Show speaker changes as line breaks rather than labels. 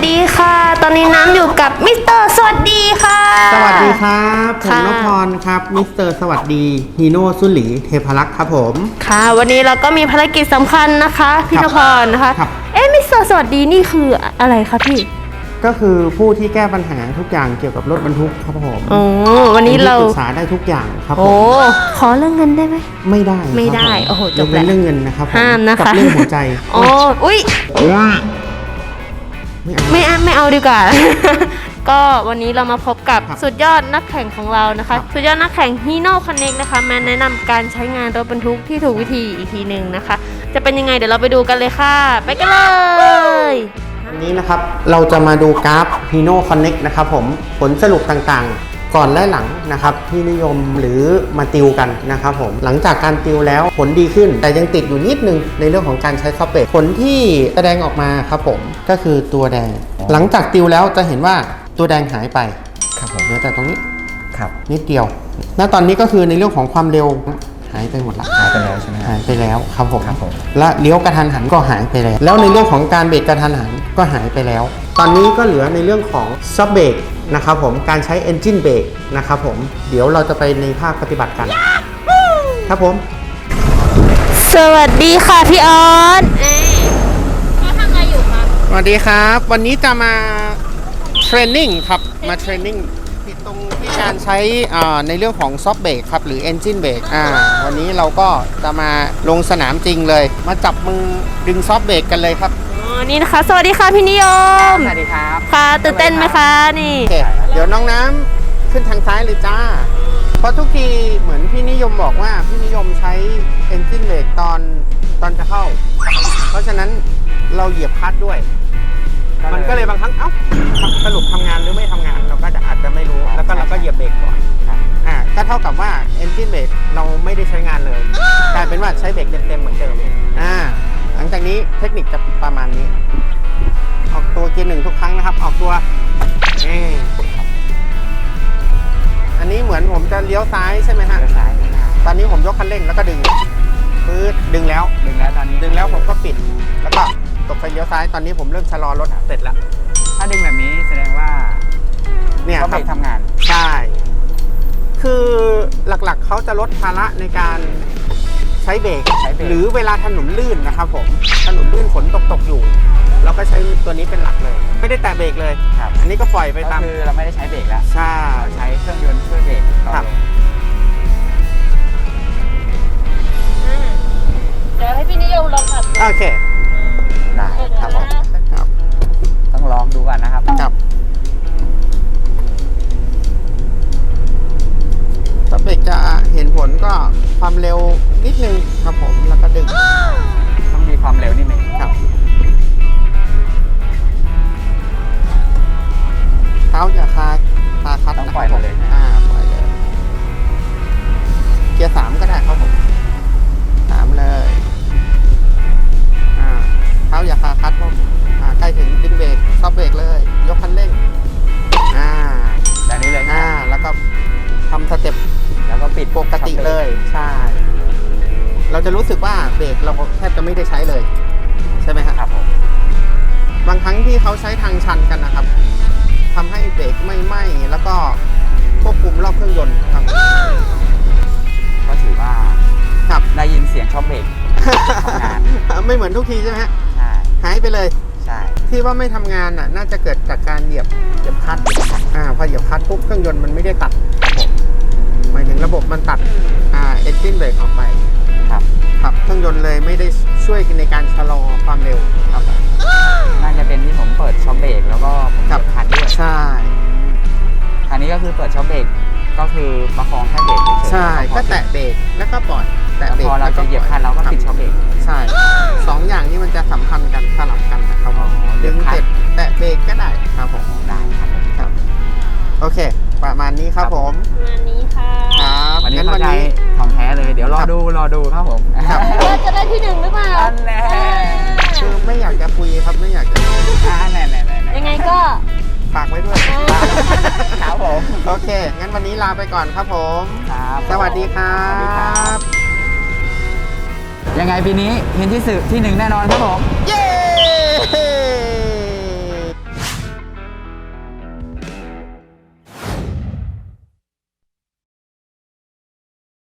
ดีค่ะตอนนี้น้ำอยู่กับมิสเตอร์สวัสดีค่ะ
สวัสดีครับผมนพพรครับมิสเตอร์สวัสดีฮีโน่สุหลีเทพรักษ์ครับผม
ค่ะวันนี้เราก็มีภารกิจสำคัญนะคะพี่นพพรนะคะมิสเตอร์สวัสดีนี่คืออะไรคะพี่
ก็คือผู้ที่แก้ปัญหาทุกอย่างเกี่ยวกับรถบรรทุกครับผม
วันนี้เรา
ปรึกษาได้ทุกอย่างครับผม
ขอเรื่องเงินได้ไหม
ไม่ได้
โอ้โหจบแล้ว
เรื่องเงินนะครับ
ห้ามนะคะ
กับเรื่องหัวใจ
อุ้ยไม่เอาดีกว่า ก็วันนี้เรามาพบกับสุดยอดนักแข่งของเรานะคะสุดยอดนักแข่งฮีโน่คอนเน็กนะคะมาแนะนำการใช้งานรถบรรทุกที่ถูกวิธีอีกทีหนึ่งนะคะจะเป็นยังไงเดี๋ยวเราไปดูกันเลยค่ะไปกันเลย
วันนี้นะครับเราจะมาดูกราฟ Hino Connect นะครับผมผลสรุปต่างๆก่อนและหลังนะครับที่นิยมหรือมาติวกันนะครับผมหลังจากการติวแล้วผลดีขึ้นแต่ยังติดอยู่นิดนึงในเรื่องของการใช้ซอฟต์แวร์ผลที่แสดงออกมาครับผมก็คือตัวแดงหลังจากติวแล้วจะเห็นว่าตัวแดงหายไปครับผมเหลือแต่ตรงนี้ครับนิดเดียวณตอนนี้ก็คือในเรื่องของความเร็วหายไปหมดละ
หายไปแล้วใช่ไหม
หายไปแล้วครับผมและเลี้ยวกระทันหันก็หายไปแล้วแล้วในเรื่องของการเบรกกระทันหันก็หายไปแล้วตอนนี้ก็เหลือในเรื่องของซับเบรกนะครับผมการใช้ Engine Brake นะครับผมเดี๋ยวเราจะไปในภาคปฏิบัติกันครับผม
สวัสดีค่ะพี่ออนเขาทำอะไรอยู่คะ
สวัสดีครับวันนี้จะมาเทรนนิ่งครับมาเทรนนิ่งติดตรงที่การใช้ในเรื่องของซอฟต์เบรกครับหรือ Engine Brake วันนี้เราก็จะมาลงสนามจริงเลยมาจับมือดึงซอฟต์เบรกกันเลยครับ
นี่นะคะสวัสดีค่ะพี่นิยม
สวัสดีครับ
ค่ะตื่นเต้นไหมคะนี่
เดี๋ยวน้องน้ำขึ้นทางซ้ายเลยจ้าเพราะทุกทีเหมือนพี่นิยมบอกว่าพี่นิยมใช้ Engine Brake ตอนจะเข้าเพราะฉะนั้นเราเหยียบคลัตช์ด้วยมันก็เลยบางครั้งสรุปทำงานหรือไม่ทำงานเราก็อาจจะไม่รู้แล้วก็เราก็เหยียบเบรกก่อนก็เท่ากับว่า Engine Brake เราไม่ได้ใช้งานเลยกลายเป็นว่าใช้เบรกเต็มๆเหมือนเดิมหลังจากนี้เทคนิคจะประมาณนี้ออกตัวเกียร์หนึ่งทุกครั้งนะครับออกตัวอันนี้เหมือนผมจะเลี้ยวซ้ายใช่ไหมฮะ
ซ้าย
ตอนนี้ผมยกคันเร่งแล้วก็ดึงปื๊ดดึงแล้ว
ตอนนี้
ดึงแล้วผมก็ปิดแล้วก็ตบไฟเลี้ยวซ้ายตอนนี้ผมเริ่มชะลอรถเสร็จแล้ว
ถ้าดึงแบบนี้แสดงว่า
เนี่ย
เขาเบรกทำงาน
ใช่คือหลักๆเขาจะลดภาระในการใช้เบรกหรือเวลาถนนลื่นนะครับผมถนนลื่นฝนตกอยู่เราก็ใช้ตัวนี้เป็นหลักเลยไม่ได้แตะเบรกเลยอันนี้ก็ปล่อยไปตาม
คือเราไม่ได้ใช้เบรกแล้ว
ใช่
ใช้เครื่องยนต์ช่วยเบรก
ครับ
เดี๋ยวให้พี่นิยมลองขับ
โอเค
ได้ครับผมต้องลองดูก่อนนะครับ
ถ้าเบรกจะเห็นผลก็ความเร็วนิดนึงครับผมแล้วก็ดึง
ต้องมีความเร็วนิดนึง
ครับเท้าอย่าคาคัด
ต้องปล่อยมาเลย
ปล่อยเลยเกียร์3ก็ได้ครับผม3เลยเท้าอย่าคาคัดผมใกล้ถึงดึงเบรกซอฟเบรกเลยยกคันเร่ง
แบบนี้เลย
แล้วก็ทำสเต็ป
แล้วก็ปิด
ปกติเลยใช่เราจะรู้สึกว่าเบรกเราแทบจะไม่ได้ใช้เลยใช่ไหม
ครับผม
บางครั้งที่เขาใช้ทางชันกันนะครับทำให้เบรกไม่ไหม้แล้วก็ควบคุมรอบเครื่องยนต์ครับ
ก็ถือว่า
ครับ
ได้ยินเสียงช็อคเบรกทำงาน
ไม่เหมือนทุกทีใช่ไหมฮะ
ใช่
หายไปเลย
ใช่
ที่ว่าไม่ทำงานน่าจะเกิดจากการเหยียบคลัตช์พอเหยียบคลัตช์ปุ๊บเครื่องยนต์มันไม่ได้ตัดหมายถึงระบบมันตัดEngine Brake ออกไปครับเครื่องยนต์เลยไม่ได้ช่วยในการชะลอความเร็วครับ
น่าจะเป็นที่ผมเปิดช็อคเบรกแล้วก็ผมเหยียบคลัตช์ด้วย
ใช่
อันนี้ก็คือเปิดช็อคเบรกก็คือประคองแค่เบรก
ใช่ก็แตะเบรกแล้วก็ปล่อยแตะเบรก
พอเราจะเหยียบคลัตช์เราก็ปิดช็อคเบรก
ใช่2อย่างนี้มันจะสัมพันธ์กันสลับกันนะครับดึงเสร็จแตะเบรกก็ได้ครับผม
ได้ครับ
โอเคประมาณนี้ครับผม
ประมาณนี้ค่ะ
ครับวันนี้ของแท้เลยเดี๋ยวรอดูครับผม
ว่าจะได้ที่1หรือเปล่า
อันแน่
คือไม่อยากจะคุยครับไม่อยากจะ
แน่
ยังไงก็
ฝากไว้ด้วย
ครับผม
โอเคงั้นวันนี้ลาไปก่อนครับผม
ครับ
สวัสดีครับ
ยังไงปีนี้เห็นที่1แน่นอนครับผม
เย้